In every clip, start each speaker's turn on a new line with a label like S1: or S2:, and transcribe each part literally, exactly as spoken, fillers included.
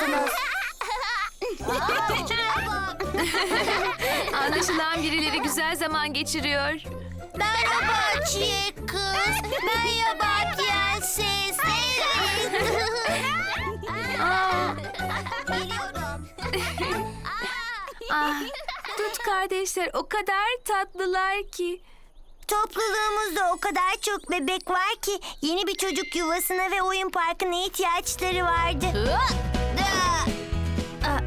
S1: musunuz?
S2: Anlaşılan birileri güzel zaman geçiriyor.
S1: Merhaba çiğ kız. Merhaba prenses.
S2: Aa,
S1: Biliyorum.
S2: ah, Dut kardeşler o kadar tatlılar ki.
S1: Topluluğumuzda o kadar çok bebek var ki yeni bir çocuk yuvasına ve oyun parkına ihtiyaçları vardı.
S2: Aa,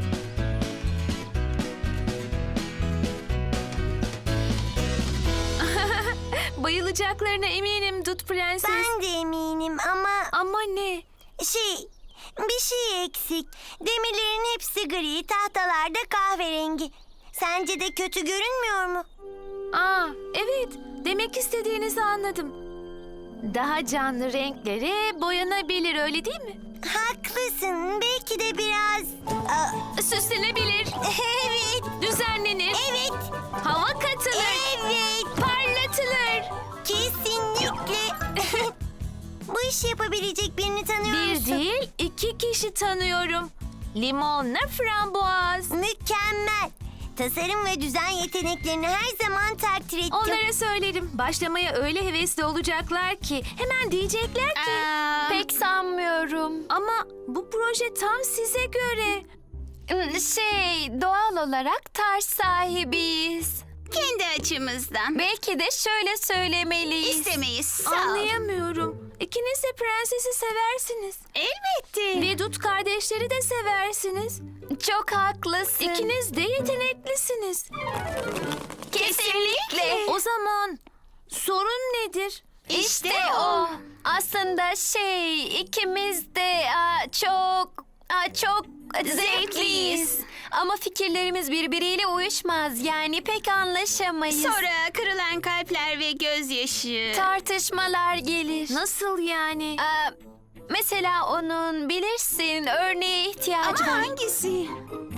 S2: bayılacaklarına eminim Dut prenses.
S1: Ben de eminim ama
S2: Ama ne?
S1: şey, bir şey eksik. Demirlerin hepsi gri, tahtalarda kahverengi. Sence de kötü görünmüyor mu?
S2: Aa, evet. Demek istediğinizi anladım. Daha canlı renklere boyanabilir, öyle değil mi?
S1: Haklısın. Belki de biraz... Aa,
S2: Süslenebilir,
S1: evet,
S2: düzenlenir,
S1: evet,
S2: hava katılır,
S1: evet.
S2: parlatılır.
S1: Kesinlikle. Bu işi yapabilecek birini tanıyor
S2: Bir
S1: musun?
S2: değil, iki kişi tanıyorum. Limonla frambuaz.
S1: Mükemmel. Tasarım ve düzen yeteneklerini her zaman takdir ettim.
S2: Onlara söylerim. Başlamaya öyle hevesli olacaklar ki hemen diyecekler ki.
S3: Aa.
S2: Pek sanmıyorum. Ama bu proje tam size göre. Şey, doğal olarak tarz sahibiyiz.
S3: Kendi açımızdan.
S2: Belki de şöyle söylemeliyiz.
S3: İstemeyiz. Sağ ol.
S2: Anlayamıyorum. İkiniz de prensesi seversiniz.
S3: Elbette.
S2: Ve Dut kardeşleri de seversiniz. Çok haklısın. İkiniz de yeteneklisiniz.
S3: Kesinlikle.
S2: O zaman sorun nedir?
S3: İşte o.
S2: Aslında şey, ikimiz de aa, çok aa, çok zevkliyiz. Ama fikirlerimiz birbiriyle uyuşmaz. Yani pek anlaşamayız.
S3: Sonra kırılan kalpler ve gözyaşı.
S2: Tartışmalar gelir. Nasıl yani? Aa, mesela onun bilirsin örneğe ihtiyacı
S3: Ama
S2: var.
S3: hangisi?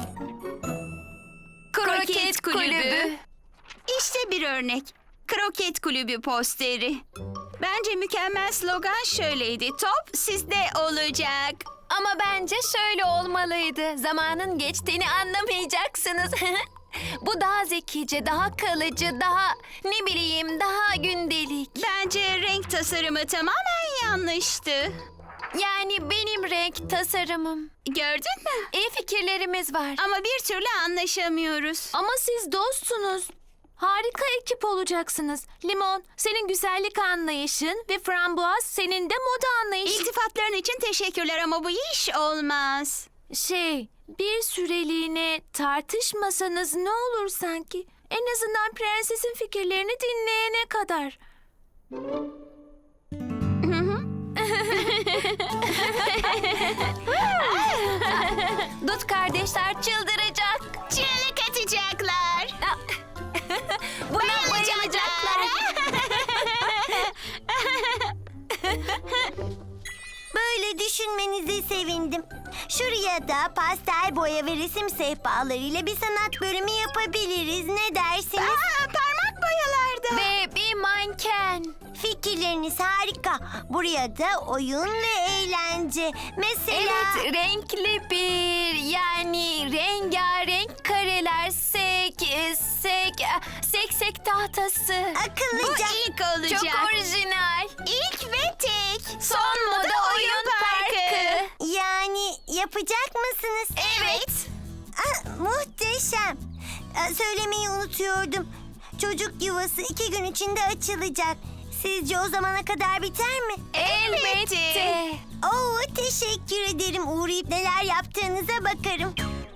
S2: Kroket kulübü.
S3: İşte bir örnek. Kroket kulübü posteri. Bence mükemmel slogan şöyleydi. Top sizde olacak.
S2: Ama bence şöyle olmalıydı. Zamanın geçtiğini anlamayacaksınız. Bu daha zekice, daha kalıcı, daha ne bileyim, daha gündelik.
S3: Bence renk tasarımı tamamen yanlıştı.
S2: Yani benim renk tasarımım.
S3: Gördün mü?
S2: İyi fikirlerimiz var.
S3: Ama bir türlü anlaşamıyoruz.
S2: Ama siz dostsunuz. Harika ekip olacaksınız. Limon, senin güzellik anlayışın ve frambuaz senin de moda anlayışın.
S3: İltifatların için teşekkürler ama bu iş olmaz.
S2: Şey, bir süreliğine tartışmasanız ne olur sanki? En azından prensesin fikirlerini dinleyene kadar. Dut kardeşler çıldıracak.
S3: Çığlık atacaklar.
S2: Buna bayılacaklar.
S1: Böyle düşünmenize sevindim. Şuraya da pastel boya ve resim sehpalarıyla bir sanat bölümü yapabiliriz. Ne dersiniz?
S3: Aa, parmak boyalarda.
S2: Ve bir manken.
S1: Fikirleriniz harika. Buraya da oyun ve eğlence. Mesela...
S2: Evet, renkli bir, yani rengarenk kareler, sek, sek, seksek tahtası.
S3: Bu
S1: Akıllıca.
S3: ilk olacak.
S2: Çok orijinal.
S3: İlk ve tek.
S2: Son moda oyun parkı.
S1: Yani yapacak mısınız?
S3: Evet.
S1: Ah, muhteşem. Ah, söylemeyi unutuyordum. Çocuk yuvası iki gün içinde açılacak. Sizce o zamana kadar biter mi?
S2: Elbette.
S1: Oo, teşekkür ederim. Uğrayıp neler yaptığınıza bakarım.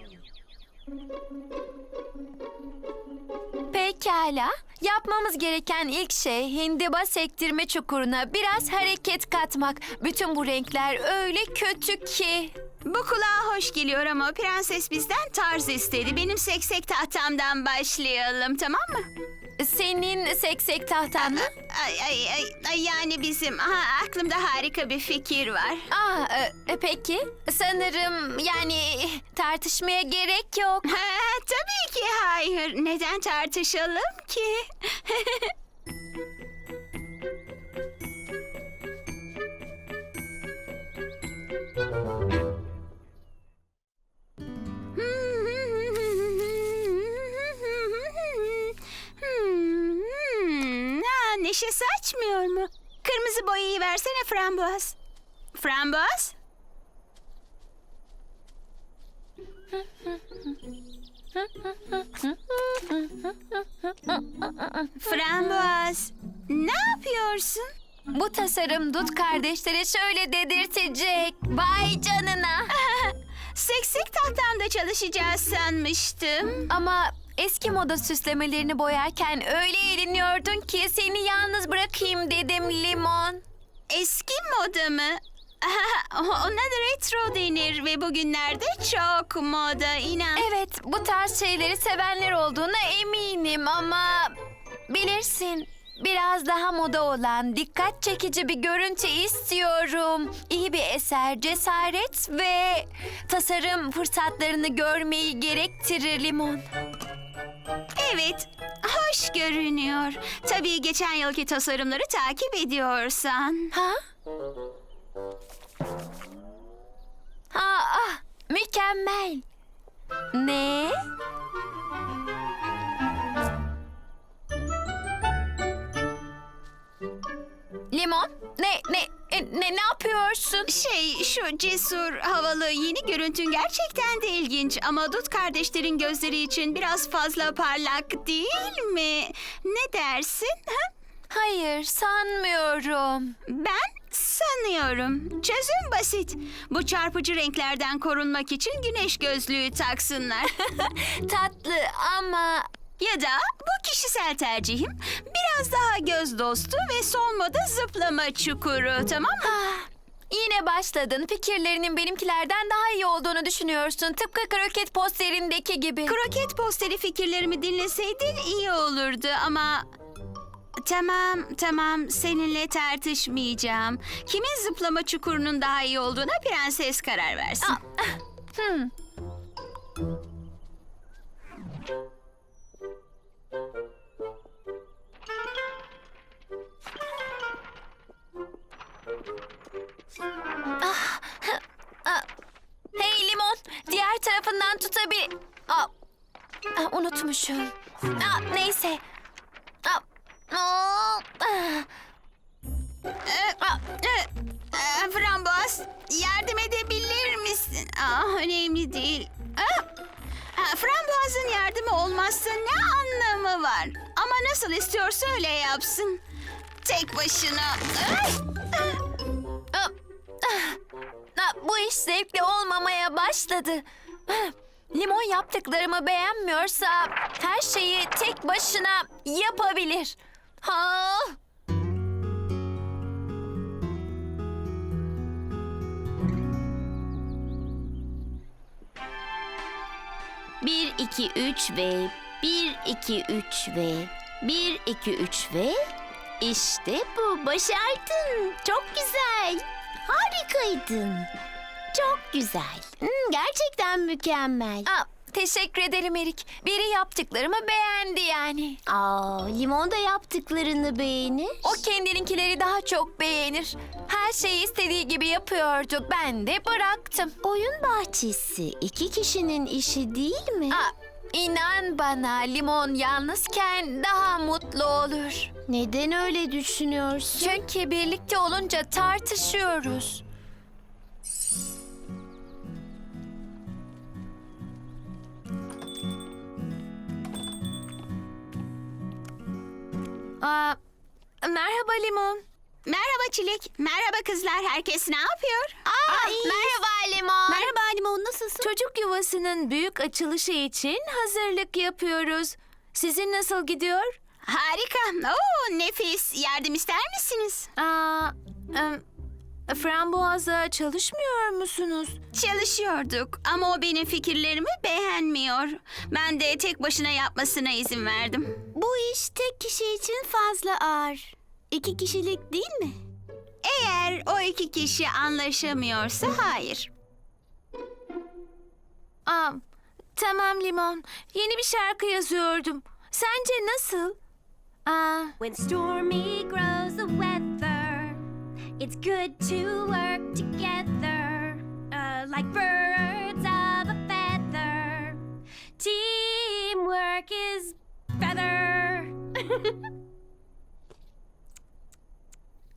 S2: Pekala. Yapmamız gereken ilk şey hindiba sektirme çukuruna biraz hareket katmak. Bütün bu renkler öyle kötü ki.
S3: Bu kulağa hoş geliyor ama prenses bizden tarz istedi. Benim seksek tahtamdan başlayalım, tamam mı?
S2: Senin seksek tahtan mı?
S3: Ay, ay, ay, ay, yani bizim. Aha, aklımda harika bir fikir var.
S2: Aa, e, peki. Sanırım yani tartışmaya gerek yok.
S3: Ha, tabii ki hayır. Neden tartışalım ki? neşe saçmıyor mu? Kırmızı boyayı versene Frambuaz. Frambuaz? Frambuaz, ne yapıyorsun?
S2: Bu tasarım Dut kardeşlere şöyle dedirtecek. Vay canına.
S3: Seksek tahtamda çalışacağız sanmıştım.
S2: Ama eski moda süslemelerini boyarken öyle eğleniyordun ki seni yalnız bırakayım dedim Limon.
S3: Eski moda mı? Ona da retro denir ve bugünlerde çok moda, inan.
S2: Evet, bu tarz şeyleri sevenler olduğuna eminim ama bilirsin, biraz daha moda olan, dikkat çekici bir görüntü istiyorum. İyi bir eser, cesaret ve tasarım fırsatlarını görmeyi gerektirir Limon.
S3: Evet, hoş görünüyor. Tabii geçen yılki tasarımları takip ediyorsan.
S2: Ha? Ha, ah, mükemmel. Ne? Limon, ne, ne, e, ne, ne yapıyorsun?
S3: Şey, şu cesur, havalı yeni görüntün gerçekten de ilginç. Ama Dut kardeşlerin gözleri için biraz fazla parlak değil mi? Ne dersin? Ha?
S2: Hayır, sanmıyorum.
S3: Ben sanıyorum. Çözüm basit. Bu çarpıcı renklerden korunmak için güneş gözlüğü taksınlar.
S2: Tatlı ama...
S3: Ya da bu kişisel tercihim biraz daha göz dostu ve son moda zıplama çukuru, tamam mı?
S2: Ah, yine başladın. Fikirlerinin benimkilerden daha iyi olduğunu düşünüyorsun. Tıpkı kroket posterindeki gibi.
S3: Kroket posteri fikirlerimi dinleseydin iyi olurdu ama... Tamam, tamam. Seninle tartışmayacağım. Kimin zıplama çukurunun daha iyi olduğuna prenses karar versin.
S2: Ah, ah, hmm. Ah, ah. Hey Limon, diğer tarafından tutabil... Ah, ah, unutmuşum. Ah, neyse. Ah, ah, ah.
S3: Ee,
S2: Ah,
S3: e, e, Frambuaz, yardım edebilir misin? Aa, önemli değil. Aa, aa, Frambuaz'ın yardımı olmazsa ne anlamı var? Ama nasıl istiyorsa öyle yapsın. Tek başına. Ay!
S2: ah, ah. Ah, bu iş zevkli olmamaya başladı. Ah, Limon yaptıklarımı beğenmiyorsa her şeyi tek başına yapabilir. Ha.
S4: Bir, iki, üç ve bir, iki, üç ve bir, iki, üç ve işte bu. Başardın. Çok güzel. Harikaydın. Çok güzel. Hmm, gerçekten mükemmel.
S2: Ah, teşekkür ederim Erik. Biri yaptıklarımı beğendi yani.
S4: Aa, Limon da yaptıklarını beğenir.
S2: O kendininkileri daha çok beğenir. Her şeyi istediği gibi yapıyordu. Ben de bıraktım.
S4: Oyun bahçesi iki kişinin işi değil mi?
S2: Ah, inan bana Limon yalnızken daha mutlu olur.
S4: Neden öyle düşünüyorsun?
S2: Çünkü birlikte olunca tartışıyoruz. Aa, merhaba Limon.
S3: Merhaba Çilek. Merhaba kızlar. Herkes ne yapıyor?
S2: Aa, merhaba Limon.
S4: Merhaba Limon, nasılsın?
S2: Çocuk yuvasının büyük açılışı için hazırlık yapıyoruz. Sizin nasıl gidiyor?
S3: Harika. Oo, nefis. Yardım ister misiniz?
S2: Aa, em, frambuaza çalışmıyor musunuz?
S3: Çalışıyorduk ama o benim fikirlerimi beğenmiyor. Ben de tek başına yapmasına izin verdim.
S4: Bu iş tek kişi için fazla ağır. İki kişilik değil mi?
S3: Eğer o iki kişi anlaşamıyorsa hayır.
S2: Aa, tamam Limon. Yeni bir şarkı yazıyordum. Sence nasıl? Aa,
S5: When stormy grows the weather, it's good to work together, uh, like birds of a feather. Teamwork is better.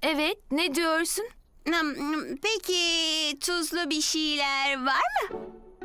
S2: Evet, ne diyorsun?
S3: Hmm, Peki tuzlu bir şeyler var mı?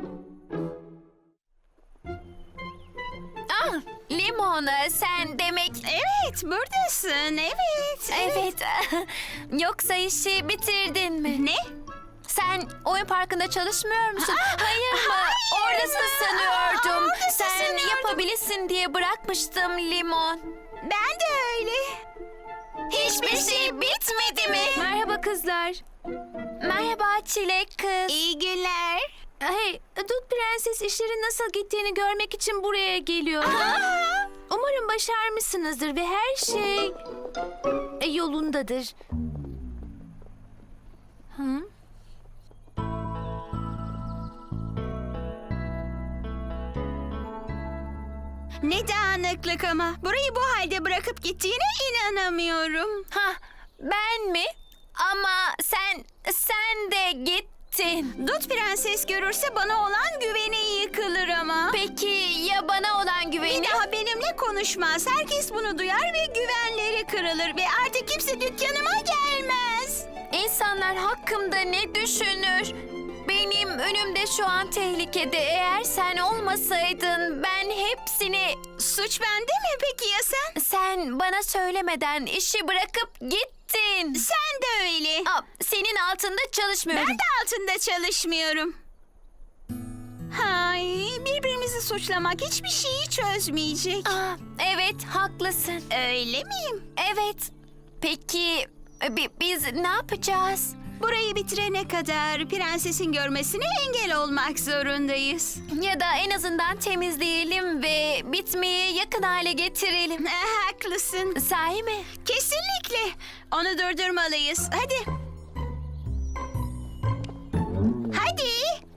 S2: Ah, limon, sen demek...
S3: Evet, buradasın. Evet.
S2: Evet, yoksa işi bitirdin mi?
S3: Ne?
S2: Sen oyun parkında çalışmıyor musun? Hayır mı?
S3: hayır
S2: Oradasın
S3: mı?
S2: sanıyordum.
S3: Oradasın
S2: Sen
S3: sanıyordum.
S2: yapabilirsin diye bırakmıştım limon.
S3: Ben de öyle.
S2: Hiçbir şey bitmedi mi? Merhaba kızlar. Merhaba çilek kız.
S3: İyi günler.
S2: Hey, Dut Prenses işlerin nasıl gittiğini görmek için buraya geliyor. Umarım başarmışsınızdır ve her şey e, yolundadır. Hı?
S3: Ne dağınıklık ama. Burayı bu halde bırakıp gittiğine inanamıyorum.
S2: Ha, ben mi? Ama sen, sen de gittin.
S3: Dut Prenses görürse bana olan güveni yıkılır ama.
S2: Peki ya bana olan güveni?
S3: Bir daha benimle konuşmaz. Herkes bunu duyar ve güvenleri kırılır ve artık kimse dükkanıma gelmez.
S2: İnsanlar hakkımda ne düşünür? Benim önümde şu an tehlikede. Eğer sen olmasaydın ben hepsini...
S3: Suç bende mi peki ya sen?
S2: Sen bana söylemeden işi bırakıp gittin.
S3: Sen de öyle.
S2: Aa, senin altında çalışmıyorum.
S3: Ben de altında çalışmıyorum. Hay, birbirimizi suçlamak hiçbir şeyi çözmeyecek.
S2: Aa, evet, haklısın.
S3: Öyle miyim?
S2: Evet. Peki bi- biz ne yapacağız?
S3: Burayı bitirene kadar prensesin görmesine engel olmak zorundayız.
S2: Ya da en azından temizleyelim ve bitmeye yakın hale getirelim.
S3: Eh, haklısın.
S2: Sahi mi?
S3: Kesinlikle. Onu durdurmalıyız. Hadi. Hadi.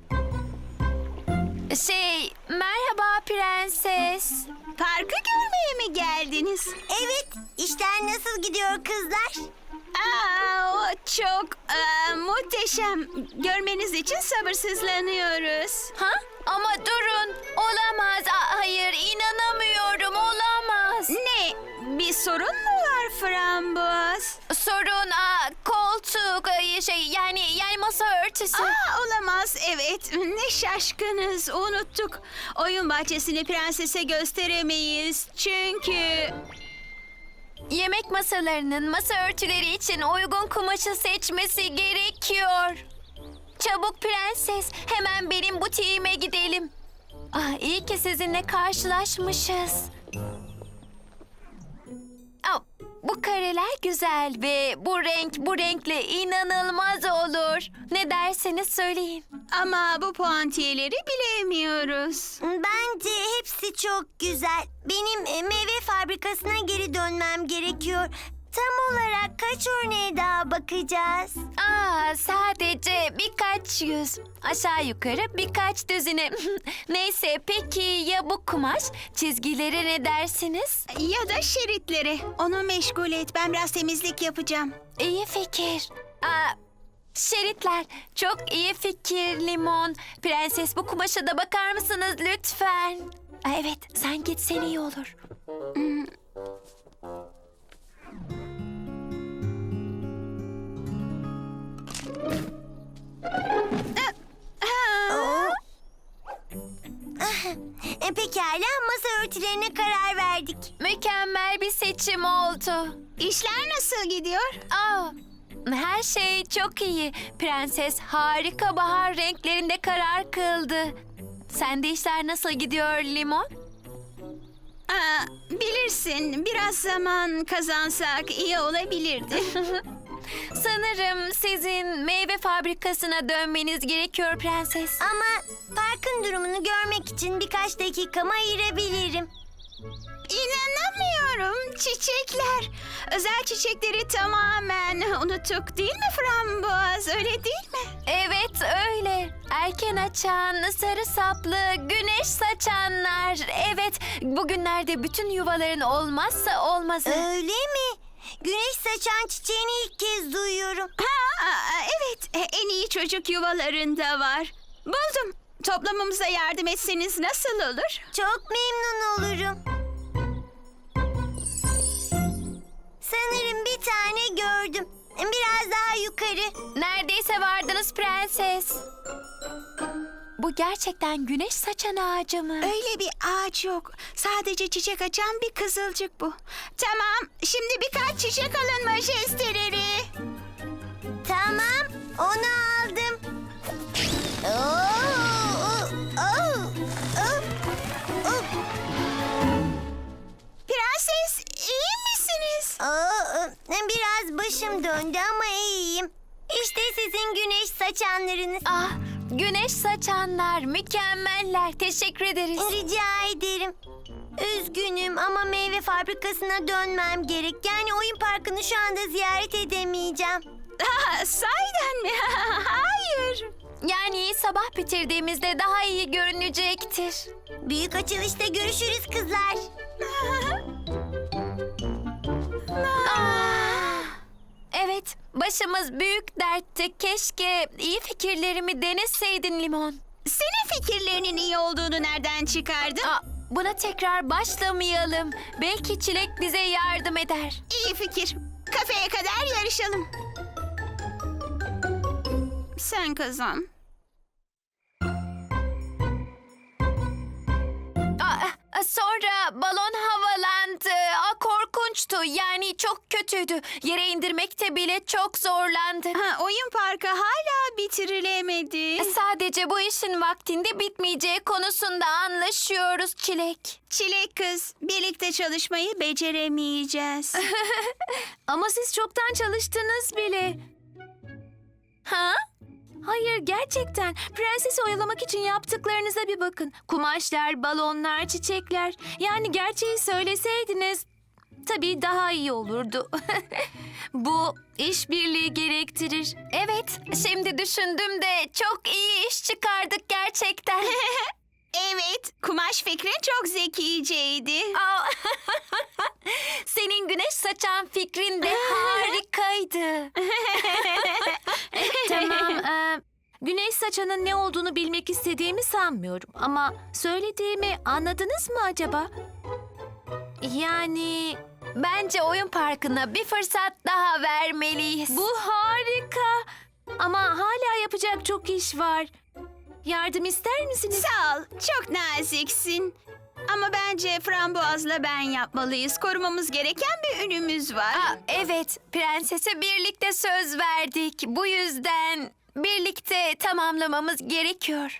S2: Şey, merhaba prenses.
S3: Parkı görmeye mi geldiniz?
S1: Evet, işler nasıl gidiyor kızlar?
S3: Aa, o çok aa, muhteşem. Görmeniz için sabırsızlanıyoruz.
S2: Ha? Ama durun. Olamaz. Aa, hayır, inanamıyorum. Olamaz.
S3: Ne? Bir sorun mu var Framboz?
S2: Sorun aa, koltuk ay, şey yani yani masa örtüsü.
S3: Aa, olamaz. Evet. Ne şaşkınız. Unuttuk. Oyun bahçesini prensese gösteremeyiz. Çünkü...
S2: Yemek masalarının masa örtüleri için uygun kumaşı seçmesi gerekiyor. Çabuk prenses, hemen benim butiğime gidelim. Ah, iyi ki sizinle karşılaşmışız. Ah, bu kareler güzel ve bu renk bu renkle inanılmaz olur. Ne derseniz söyleyin.
S3: Ama bu puantiyeleri bilemiyoruz.
S1: Bence hepsi çok güzel. Benim e, meyve fabrikasına geri dönmem gerekiyor. Tam olarak kaç örneğe daha bakacağız?
S2: Aa, sadece birkaç yüz. Aşağı yukarı birkaç düzine. Neyse, peki ya bu kumaş? Çizgilere ne dersiniz?
S3: Ya da şeritlere. Onu meşgul et. Ben biraz temizlik yapacağım.
S2: İyi fikir. Aa, şeritler. Çok iyi fikir Limon. Prenses, bu kumaşa da bakar mısınız lütfen? Aa, evet, sen gitsen iyi olur.
S1: E, pekala, masa örtülerine karar verdik.
S2: Mükemmel bir seçim oldu.
S3: İşler nasıl gidiyor?
S2: Aa, her şey çok iyi. Prenses harika bahar renklerinde karar kıldı. Sende işler nasıl gidiyor Limon?
S3: Aa, bilirsin, biraz zaman kazansak iyi olabilirdi.
S2: Sanırım sizin meyve fabrikasına dönmeniz gerekiyor prenses.
S1: Ama parkın durumunu görmek için birkaç dakikamı ayırabilirim.
S3: İnanamıyorum, çiçekler. Özel çiçekleri tamamen unuttuk değil mi Framboz? Öyle değil mi?
S2: Evet öyle. Erken açan, sarı saplı, güneş saçanlar. Evet, bugünlerde bütün yuvaların olmazsa olmazı.
S1: Öyle mi? Güneş saçan çiçeğini ilk kez duyuyorum.
S3: Ha, aa, evet, en iyi çocuk yuvalarında var. Buldum. Toplamamıza yardım etseniz nasıl olur?
S1: Çok memnun olurum. Sanırım bir tane gördüm. Biraz daha yukarı.
S2: Neredeyse vardınız prenses. Bu gerçekten güneş saçan ağacı mı?
S3: Öyle bir ağaç yok. Sadece çiçek açan bir kızılcık bu. Tamam, şimdi birkaç çiçek alın majesteleri.
S1: Tamam, onu aldım. Oo, oo, oo, oo.
S3: Prenses, iyi misiniz?
S1: Aa, biraz başım döndü ama iyiyim. İşte sizin güneş saçanlarınız.
S2: Ah, güneş saçanlar mükemmeller. Teşekkür ederiz.
S1: Rica ederim. Üzgünüm ama meyve fabrikasına dönmem gerek. Yani oyun parkını şu anda ziyaret edemeyeceğim.
S3: Ah, sahiden mi? Hayır.
S2: Yani sabah bitirdiğimizde daha iyi görünecektir.
S1: Büyük açılışta görüşürüz kızlar.
S2: Ah, evet, başımız büyük dertte. Keşke iyi fikirlerimi deneseydin Limon.
S3: Senin fikirlerinin iyi olduğunu nereden çıkardın?
S2: Aa, buna tekrar başlamayalım. Belki Çilek bize yardım eder.
S3: İyi fikir. Kafeye kadar yarışalım. Sen kazan.
S2: Aa, sonra balon havalandı. Aa, korkunçtu. Yani çok kötüydü. Yere indirmekte bile çok zorlandı.
S3: Ha, oyun parkı hala bitirilemedi.
S2: Sadece bu işin vaktinde bitmeyeceği konusunda anlaşıyoruz Çilek.
S3: Çilek kız, birlikte çalışmayı beceremeyeceğiz.
S4: Ama siz çoktan çalıştınız bile.
S2: Ha?
S4: Hayır, gerçekten. Prensesi oyalamak için yaptıklarınıza bir bakın. Kumaşlar, balonlar, çiçekler. Yani gerçeği söyleseydiniz tabii daha iyi olurdu. Bu işbirliği gerektirir.
S2: Evet, şimdi düşündüm de çok iyi iş çıkardık gerçekten.
S3: Evet, kumaş fikrin çok zekiceydi.
S2: Aa, senin güneş saçan fikrin de harikaydı.
S4: Tamam, e, güneş saçanın ne olduğunu bilmek istediğimi sanmıyorum. Ama söylediğimi anladınız mı acaba? Yani
S2: Bence oyun parkına bir fırsat daha vermeliyiz.
S4: bu harika. Ama hala yapacak çok iş var. Yardım ister misiniz?
S3: Sağ ol, çok naziksin. Ama bence frambuazla ben yapmalıyız. Korumamız gereken bir ünümüz var.
S2: Aa, evet, prensese birlikte söz verdik. Bu yüzden birlikte tamamlamamız gerekiyor.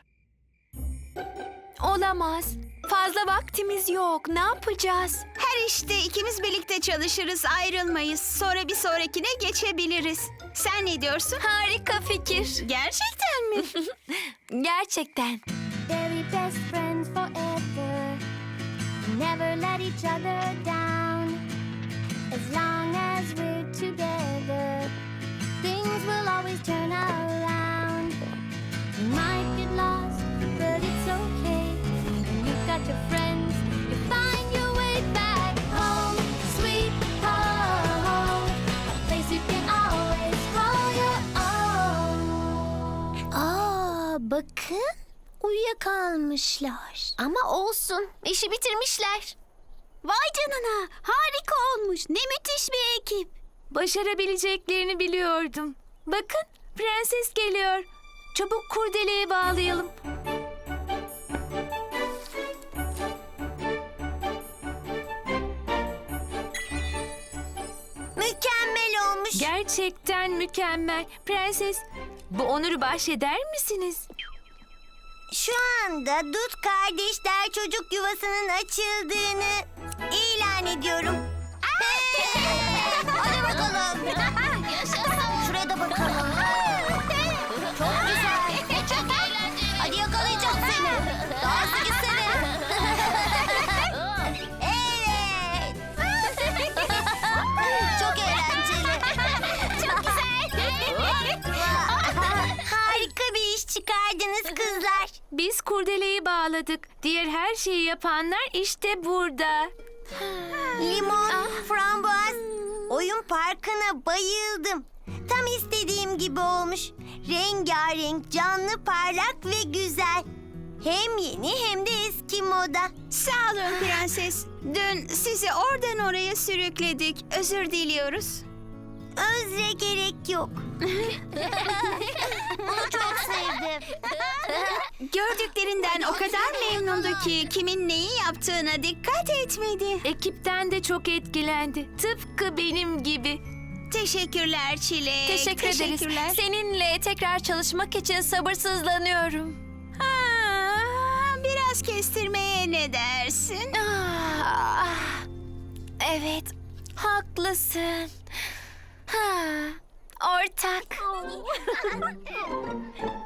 S2: Olamaz. Fazla vaktimiz yok. Ne yapacağız?
S3: Her işte ikimiz birlikte çalışırız, ayrılmayız. Sonra bir sonrakine geçebiliriz. Sen ne diyorsun?
S2: Harika fikir.
S3: Gerçekten mi?
S2: Gerçekten.
S5: Very best friends forever. Never let each other down. As long as we're together, things will always turn around. You might get lost, but it's okay. When you've got your friends, you find your way back home. Sweet home, a place you can always call your own.
S1: Aa, bakın uyuyakalmışlar. Ama olsun, işi bitirmişler.
S4: Vay canına, harika olmuş. Ne müthiş bir ekip. Başarabileceklerini biliyordum. Bakın, prenses geliyor. Çabuk kurdeleye bağlayalım.
S1: Mükemmel olmuş.
S4: Gerçekten mükemmel. Prenses, bu onuru bahşeder misiniz?
S1: Şu anda Dut kardeşler çocuk yuvasının açıldığını ilan ediyorum. Hadi bakalım. Şuraya da bakalım. Çok güzel. Çok eğlenceli. Hadi yakalayacağım seni. Daha hızlı gitsene. Evet. Çok eğlenceli. Çok güzel. Harika bir iş çıkardınız kızlar.
S4: Biz kurdeleyi bağladık. Diğer her şeyi yapanlar işte burada.
S1: Limon, frambuaz, oyun parkına bayıldım. Tam istediğim gibi olmuş. Rengarenk, canlı, parlak ve güzel. Hem yeni hem de eski moda.
S3: Sağ olun prenses. Dün sizi oradan oraya sürükledik. Özür diliyoruz.
S1: Özre gerek yok. Bunu çok sevdim.
S3: Gördüklerinden o kadar memnundu ki kimin neyi yaptığına dikkat etmedi.
S4: Ekipten de çok etkilendi. Tıpkı benim gibi.
S3: Teşekkürler Çilek.
S2: Teşekkür ederiz.
S3: Teşekkürler.
S2: Seninle tekrar çalışmak için sabırsızlanıyorum.
S3: Aa, biraz kestirmeye ne dersin?
S2: Ah, evet, haklısın. Ha, ortak.